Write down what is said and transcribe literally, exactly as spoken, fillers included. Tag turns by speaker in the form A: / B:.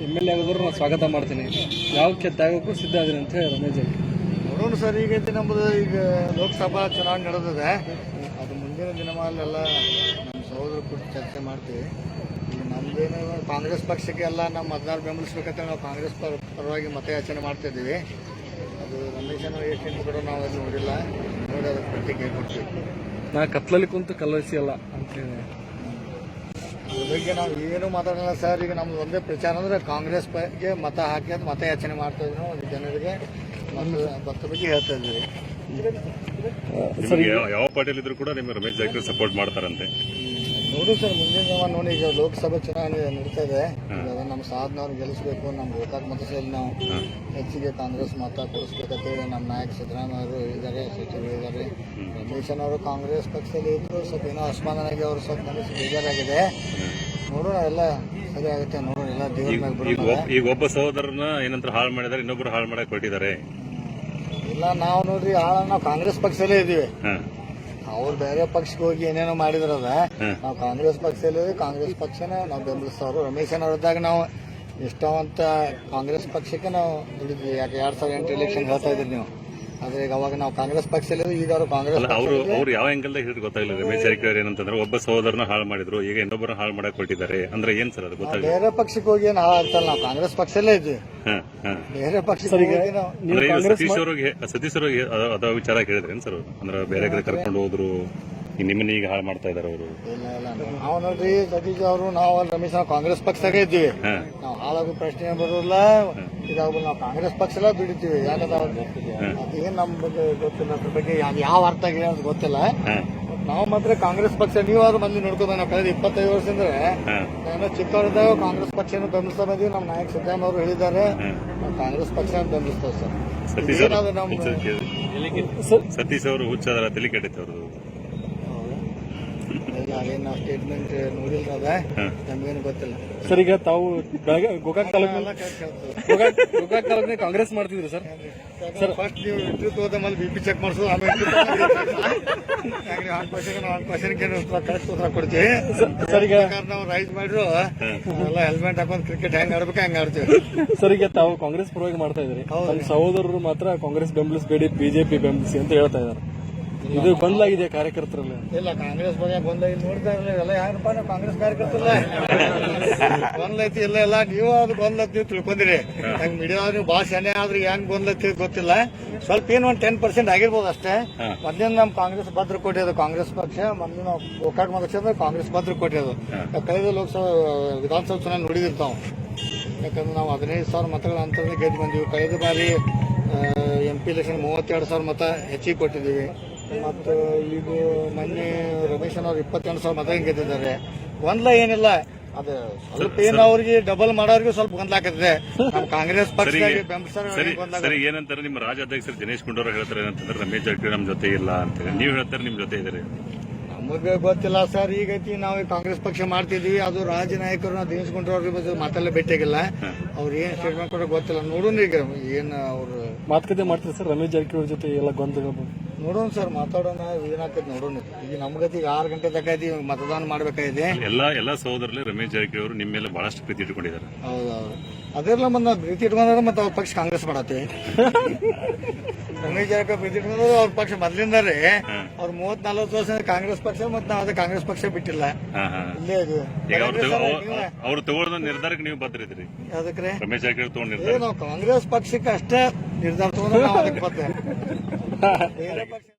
A: M L A ಆಗೋದ್ರು ನಾನು ಸ್ವಾಗತ ಮಾಡ್ತೀನಿ, ಯಾವ ತ್ಯಾಗಕ್ಕೂ ಸಿದ್ಧ ಆದ್ರೆ ಅಂತ ಹೇಳಿ ರಮೇಶ್ ಜಾರಕಿಹೊಳಿ.
B: ನೋಡೋಣ ಸರ್, ಈಗೈತಿ ನಮ್ಮದು ಈಗ ಲೋಕಸಭಾ ಚುನಾವಣೆ ನಡೆದಿದೆ. ಅದು ಮುಂದಿನ ದಿನಮಾಲೆಲ್ಲ ನಮ್ಮ ಸಹೋದರ ಕುರಿತು ಚರ್ಚೆ ಮಾಡ್ತೀವಿ. ಈಗ ನಮ್ದೇನು ಕಾಂಗ್ರೆಸ್ ಪಕ್ಷಕ್ಕೆ ಎಲ್ಲ ನಮ್ಮ ಮತದಾರ ಬೆಂಬಲಿಸ್ಬೇಕಂತ ನಾವು ಕಾಂಗ್ರೆಸ್ ಪರ ಪರವಾಗಿ ಮತಯಾಚನೆ ಮಾಡ್ತಾ ಇದ್ದೀವಿ. ಅದು ರಮೇಶನ ಏಕೆಂದು ಕೂಡ ನಾವು ಅದು ನೋಡಿಲ್ಲ, ನೋಡಿ ಅದಕ್ಕೆ ಪ್ರತಿಕ್ರಿಯೆ ಕೊಡ್ತೀವಿ.
A: ನಾ ಕತ್ಲಲ್ಲಿ ಕುಂತು ಕಲಸಿ ಅಲ್ಲ ಅಂತ ಹೇಳಿ
B: ಅದ್ರ ಬಗ್ಗೆ ನಾವು ಏನು ಮಾತಾಡೋಣ ಸರ್. ಈಗ ನಮ್ದು ಒಂದೇ ಪ್ರಚಾರ ಅಂದ್ರೆ ಕಾಂಗ್ರೆಸ್ ಬಗ್ಗೆ ಮತ ಹಾಕಿ ಅಂತ ಮತಯಾಚನೆ ಮಾಡ್ತಾ ಇದ್ವಿ ನಾವು ಜನರಿಗೆ, ಮತ್ತು ಭತ್ತ ಬಗ್ಗೆ ಹೇಳ್ತಾ ಇದ್ವಿ.
C: ಯಾವ ಪಾರ್ಟಿಯಲ್ಲಿ ಇದ್ರು ಕೂಡ ನಿಮ್ಮ ರಮೇಶ್ ಜಾರಕಿಹೊಳಿ ಸಪೋರ್ಟ್ ಮಾಡ್ತಾರಂತೆ.
B: ನೋಡು ಸರ್, ಮುಂದಿನ ದಿನ ನೋಡಿ ಈಗ ಲೋಕಸಭಾ ಚುನಾವಣೆ ನಡೀತಾ ಇದೆ. ಈಗ ನಮ್ಮ ಸಾಧನವ್ರು ಗೆಲ್ಲಿಸಬೇಕು, ನಮ್ಮ ಗೋಕಾಕ್ ಮತದಲ್ಲಿ ನಾವು ಹೆಚ್ಚಿಗೆ ಕಾಂಗ್ರೆಸ್ ಮತ ಕೊಡಿಸ್ಬೇಕಂತೇಳಿ ನಮ್ಮ ನಾಯಕ ಸಿದ್ದರಾಮಯ್ಯ ಅವರು ಹೇಳಿದ್ದಾರೆ, ಸಚಿವರು ಹೇಳಿದ್ದಾರೆ. ರಮೇಶನವರು ಕಾಂಗ್ರೆಸ್ ಪಕ್ಷದಲ್ಲಿ ಇದ್ರು ಸ್ವಲ್ಪ ಏನೋ ಅಸಮಾಧಾನಾಗಿ ಅವರು ಸ್ವಲ್ಪ ಮನಸ್ಸು ಬೇಜಾರಾಗಿದೆ. ನೋಡೋಣ, ಎಲ್ಲ ಸರಿ ಆಗುತ್ತೆ, ನೋಡೋಣ, ಎಲ್ಲ ದೇವ್ರ ಮ್ಯಾಗ ಬರೋಣ.
C: ಈಗ ಒಬ್ಬ ಸಹೋದರನ ಏನಂತ ಹಾಳು ಮಾಡಿದ್ದಾರೆ, ಇನ್ನೊಬ್ರು ಹಾಳು ಮಾಡಕ್ ಹೊರಟಿದ್ದಾರೆ.
B: ಇಲ್ಲ, ನಾವು ನೋಡ್ರಿ ಆಳ ನಾವು ಕಾಂಗ್ರೆಸ್ ಪಕ್ಷದಲ್ಲೇ ಇದೀವಿ. ಅವ್ರು ಬೇರೆ ಪಕ್ಷಕ್ಕೆ ಹೋಗಿ ಏನೇನೋ ಮಾಡಿದ್ರದ, ನಾವು ಕಾಂಗ್ರೆಸ್ ಪಕ್ಷದಲ್ಲಿ ಕಾಂಗ್ರೆಸ್ ಪಕ್ಷನ ನಾವು ಬೆಂಬಲಿಸ್ತವ್ರು. ರಮೇಶನವ್ರದಾಗ ನಾವು ನಿಷ್ಠಾವಂತ ಕಾಂಗ್ರೆಸ್ ಪಕ್ಷಕ್ಕೆ ನಾವು ದುಡಿದ್ವಿ. ಯಾಕೆ ಎರಡ್ ಸಾವಿರದ ಎಂಟು ಎಲೆಕ್ಷನ್ ಹೇಳ್ತಾ ಇದ್ರಿ ನೀವು, ಆದ್ರೆ ಈಗ ಅವಾಗ ನಾವು ಕಾಂಗ್ರೆಸ್ ಪಕ್ಷದಲ್ಲಿ, ಈಗ ಅವರು ಕಾಂಗ್ರೆಸ್
C: ಅವರು ಅವ್ರು ಯಾವ ಆಂಗಲ್ ಹಿಡಿದು ಗೊತ್ತಾಗಲಿಲ್ಲ. ರಮೇಶ್ ಜಾರಕಿಹೊಳಿ ಏನಂತಂದ್ರೆ ಒಬ್ಬ ಸಹೋದರನ ಹಾಳು ಮಾಡಿದ್ರು, ಈಗ ಇನ್ನೊಬ್ಬರನ್ನ ಹಾಳು ಮಾಡಕ್ ಹೊರಟಿದ್ದಾರೆ ಅಂದ್ರೆ ಏನ್ ಸರ್ ಅದು ಗೊತ್ತಾಗಲಿಲ್ಲ.
B: ಬೇರೆ ಪಕ್ಷಕ್ಕೆ ಹೋಗಿ ಏನು ಹಾಳಾಗ್ತಲ್ಲ, ನಾವು ಕಾಂಗ್ರೆಸ್ ಪಕ್ಷದಲ್ಲೇ ಇದ್ವಿ. ಬೇರೆ ಪಕ್ಷಕ್ಕೆ
C: ಸತೀಶ್ ಅವ್ರಿಗೆ ಸತೀಶ್ ಅವ್ರಿಗೆ ಅದ ವಿಚಾರ ಹೇಳಿದ್ರೇನ್ ಸರ್? ಅಂದ್ರೆ ಬೇರೆ ಕಡೆ ಕರ್ಕೊಂಡು ಹೋದ್ರು, ನಿಮ್ಮನ್ನ ಈಗ ಹಾಳು ಮಾಡ್ತಾ ಇದಾರೆ ಅವರು.
B: ಇಲ್ಲ ಇಲ್ಲ, ನಾವು ನೋಡ್ರಿ ಸತೀಶ್ ಅವರು, ನಾವು ರಮೇಶ್ ನಾವು ಕಾಂಗ್ರೆಸ್ ಪಕ್ಷದಾಗೆ ಇದ್ದೀವಿ. ನಾವು ಹಾಳಾಗೋ ಪ್ರಶ್ನೆ ಬರೋಲ್ಲ. ಇದಾಗು ನಾವು ಕಾಂಗ್ರೆಸ್ ಪಕ್ಷಲ್ಲ ದುಡಿತೀವಿ. ಯಾಕಂದ್ರೆ ಅದೇನ್ ನಮ್ ಬಗ್ಗೆ ಗೊತ್ತಿಲ್ಲ, ಅದ್ರ ಬಗ್ಗೆ ಯಾವ ಅರ್ಥ ಆಗಿದೆ ಅಂತ ಗೊತ್ತಿಲ್ಲ. ನಾವು ಮಾತ್ರ ಕಾಂಗ್ರೆಸ್ ಪಕ್ಷ, ನೀವಾದ್ರೂ ಮಂದಿ ನೋಡ್ಕೋಬೇಕು. ನಾವು ಕಳೆದ ಇಪ್ಪತ್ತೈದು ವರ್ಷ ಅಂದ್ರೆ ನಾನು ಚಿಕ್ಕವರಿದ್ದಾಗ ಕಾಂಗ್ರೆಸ್ ಪಕ್ಷನ ಬೆಂಬಲಿಸ್ತಾ ಬಂದೀವಿ. ನಮ್ಮ ನಾಯಕ ಸಿದ್ದರಾಮಯ್ಯ ಅವರು ಹೇಳಿದ್ದಾರೆ, ನಾವು ಕಾಂಗ್ರೆಸ್ ಪಕ್ಷ ಬೆಂಬಲಿಸ್ತೇವೆ ಸರ್.
C: ಸತೀಶ್
B: ನಮ್ಮ
C: ಸತೀಶ್ ಅವರು ಹುಚ್ಚಾದ್ರ ತಲೆ ಕೆಟ್ಟೈತೆ ಅವ್ರದ್ದು.
B: ಅದೇನು ನಾವು ಸ್ಟೇಟ್ಮೆಂಟ್ ನೋಡಿಲ್ಲ, ಅದ ನಮ್ಗೇನು ಗೊತ್ತಿಲ್ಲ
A: ಸರ್. ಈಗ ತಾವು ಗೋಕಾಕ್ ತಾಲೂಕು ಗೋಕಾಕ್ ತಾಲೂಕಿನ ಕಾಂಗ್ರೆಸ್ ಮಾಡ್ತಿದ್ರಿ ಸರ್.
B: ಸರ್ ಫಸ್ಟ್ ನೀವು ಇಂಟ್ರಿ ತಗೋದ ಮೇಲೆ ಬಿ ಪಿ ಚೆಕ್ ಮಾಡಿಸೋದು, ಆಮೇಲೆ ಹತ್ತು ಪರ್ಸೆಂಟ್ ಹತ್ತು ಪರ್ಸೆಂಟ್ ಕರೆಕ್ಟ್ ಉತ್ತರ ಕೊಡ್ತೀವಿ ಸರ್. ಈಗ ನಾವು ರೈಸ್ ಮಾಡಿದ್ರು ಎಲ್ಲ ಹೆಲ್ಮೆಟ್ ಹಾಕೊಂಡು ಕ್ರಿಕೆಟ್ ಹೆಂಗ್ ಆಡ್ಬೇಕು ಹೆಂಗ್ ಆಡ್ತೀವಿ
A: ಸರ್. ಈಗ ತಾವು ಕಾಂಗ್ರೆಸ್ ಪರವಾಗಿ ಮಾಡ್ತಾ ಇದ್ರಿ, ನಮ್ಮ ಸಹೋದರರು ಮಾತ್ರ ಕಾಂಗ್ರೆಸ್ ಬೆಂಬಲಿಸಬೇಡಿ, ಬಿಜೆಪಿ ಬೆಂಬಲಿಸಿ ಅಂತ ಹೇಳ್ತಾ ಇದ್ದಾರೆ. ಇದು ಗೊಂದಲಾಗಿದೆ ಕಾರ್ಯಕರ್ತರಲ್ಲ.
B: ಇಲ್ಲ, ಕಾಂಗ್ರೆಸ್ ಬಗ್ಗೆ ಗೊಂದಲ ನೋಡ್ತಾ ಇರಲಿಲ್ಲ. ಎಲ್ಲ ಯಾರಪ್ಪ ನಾವು ಕಾಂಗ್ರೆಸ್ ಕಾರ್ಯಕರ್ತರಲ್ಲ, ಗೊಂದಲೈತಿ ಇಲ್ಲ ಎಲ್ಲ ನೀವು ಅದು ಗೊಂದಲೈತಿ ತಿಳ್ಕೊಂಡಿರಿ. ಹಂಗ್ ಮೀಡಿಯಾ ನೀವು ಭಾಳ ಶನೆ ಆದ್ರೆ ಹೆಂಗ್ ಗೊಂದಲೈತಿ ಗೊತ್ತಿಲ್ಲ. ಸ್ವಲ್ಪ ಏನು ಒಂದು ಟೆನ್ ಪರ್ಸೆಂಟ್ ಆಗಿರ್ಬೋದು ಅಷ್ಟೇ. ಮೊದ್ಲಿನ ನಮ್ ಕಾಂಗ್ರೆಸ್ ಭದ್ರಕೋಟೆ ಅದು ಕಾಂಗ್ರೆಸ್ ಪಕ್ಷ, ಮೊದಲು ನಾವು ಗೋಕಾಕ್ ಮತಕ್ಷೇತ್ರ ಕಾಂಗ್ರೆಸ್ ಭದ್ರಕೋಟೆ ಅದು. ಕಳೆದ ಲೋಕಸಭಾ ವಿಧಾನಸಭಾ ಚುನಾವಣೆ ನೋಡಿದಿರ್ತಾವ. ಯಾಕಂದ್ರೆ ನಾವು ಹದಿನೈದು ಸಾವಿರ ಮತಗಳ ಅಂತರನೇ ಗೆದ್ದು ಬಂದೀವಿ. ಕಳೆದ ಬಾರಿ ಎಂ ಪಿ ಎಲೆಕ್ಷನ್ ಮೂವತ್ತೆರಡು ಸಾವಿರ ಮತ ಹೆಚ್ಚಿಗೆ ಕೊಟ್ಟಿದ್ದೀವಿ. ಮತ್ತು ಈಗ ಮೊನ್ನೆ ರಮೇಶನ್ ಅವ್ರು ಇಪ್ಪತ್ತೆಂಟು ಸಾವಿರ ಮತ ಗೆದ್ದಿದ್ದಾರೆ. ಗೊಂದಲ ಏನಿಲ್ಲ, ಅದು ಸ್ವಲ್ಪ ಏನು ಅವ್ರಿಗೆ ಡಬಲ್ ಮಾಡೋರಿಗೆ ಸ್ವಲ್ಪ ಗೊಂದಲ ಆಗ್ತದೆ. ನಮ್ಮ ಕಾಂಗ್ರೆಸ್ ಪಕ್ಷ
C: ಸರಿ ಏನಂತಾರೆ ನಿಮ್ಮ ರಾಜ್ಯಾಧ್ಯಕ್ಷರು ದಿನೇಶ್ ಗುಂಡೂರಾವ್ ಹೇಳ್ತಾರೆ ಏನಂತಂದ್ರೆ ರಮೇಶ್ ಜಾರಕಿಹೊಳಿ ನಮ್ ಜೊತೆ ಇಲ್ಲ ಅಂತ, ನೀವು ಹೇಳ್ತಾರೆ ನಿಮ್ ಜೊತೆ ಇದ್ದಾರೆ.
B: ನಮಗೆ ಗೊತ್ತಿಲ್ಲ ಸರ್. ಈಗೈತಿ ನಾವು ಕಾಂಗ್ರೆಸ್ ಪಕ್ಷ ಮಾಡ್ತಿದ್ವಿ, ಅದು ರಾಜ್ಯ ನಾಯಕರು ನಾವು ದಿನೇಶ್ ಗುಂಡೂರಾವ್ ಬಗ್ಗೆ ಮಾತೆಲ್ಲ ಭೇಟಿಯಾಗಿಲ್ಲ. ಅವ್ರು ಏನ್ ಸ್ಟೇಟ್ಮೆಂಟ್ ಕೊಡೋ ಗೊತ್ತಿಲ್ಲ. ನೋಡೋಣ ಈಗ ಏನ್ ಅವ್ರು
A: ಮಾತುಕತೆ ಮಾಡ್ತಾರೆ ಸರ್ ರಮೇಶ್ ಜಾರಕಿಹೊಳಿ ಜೊತೆ ಎಲ್ಲ ಗೊಂದಲ.
B: ನೋಡೋಣ ಸರ್, ಮಾತಾಡೋಣ, ಏನಾಗ್ತದೆ ನೋಡೋಣ. ಈಗ ನಮ್ಗತಿ ಈಗ ಆರು ಗಂಟೆ ತನಕ ಇದೀವಿ, ಮತದಾನ ಮಾಡ್ಬೇಕಾಗಿದೆ.
C: ಎಲ್ಲಾ ಎಲ್ಲಾ ಸಹೋದರಲ್ಲಿ ರಮೇಶ್ ಜಾರಕಿಹೊಳಿ ಅವರು ನಿಮ್ಮ ಮೇಲೆ ಬಹಳಷ್ಟು ಪ್ರೀತಿ ಇಟ್ಕೊಂಡಿದ್ದಾರೆ.
B: ಹೌದೌದು, ಅದೆಲ್ಲ ಮತ್ತೆ ನಾವು ಪ್ರೀತಿ ಇಟ್ಕೊಂಡ್ರೆ ಮತ್ತೆ ಅವ್ರ ಪಕ್ಷ ಕಾಂಗ್ರೆಸ್ ಮಾಡತ್ತೀವಿ. ರಮೇಶ್ ಜಾರಕಿಹೊಳಿ ಪ್ರೀತಿ ಇಟ್ಕೊಂಡ್ರೆ ಅವ್ರ ಪಕ್ಷ ಮೊದ್ಲಿಂದಾರೆ ಅವ್ರು ಮೂವತ್ ನಲ್ವತ್ತು ವರ್ಷ ಕಾಂಗ್ರೆಸ್ ಪಕ್ಷ, ಮತ್ತೆ ನಾವು ಅದೇ ಕಾಂಗ್ರೆಸ್ ಪಕ್ಷ ಬಿಟ್ಟಿಲ್ಲ. ಇಲ್ಲೇ ಇದು
C: ಅವ್ರು ತಗೊಳ್ಳೋ ನಿರ್ಧಾರಕ್ಕೆ ನೀವು ಬದ್ರಿದ್ರಿ.
B: ಅದಕ್ಕೆ
C: ರಮೇಶ್ ಜಾರಕಿಹೊಳಿ ತಗೊಂಡ್ ನಿರ್ಧಾರ
B: ನಾವು ಕಾಂಗ್ರೆಸ್ ಪಕ್ಷಕ್ಕೆ ಅಷ್ಟೇ ನಿರ್ಧಾರ ತಗೊಂಡ್ರೆ ನಾವು ಅದಕ್ಕೆ ಬದ್ಧ. ಬೇರೆ ಪಕ್ಷ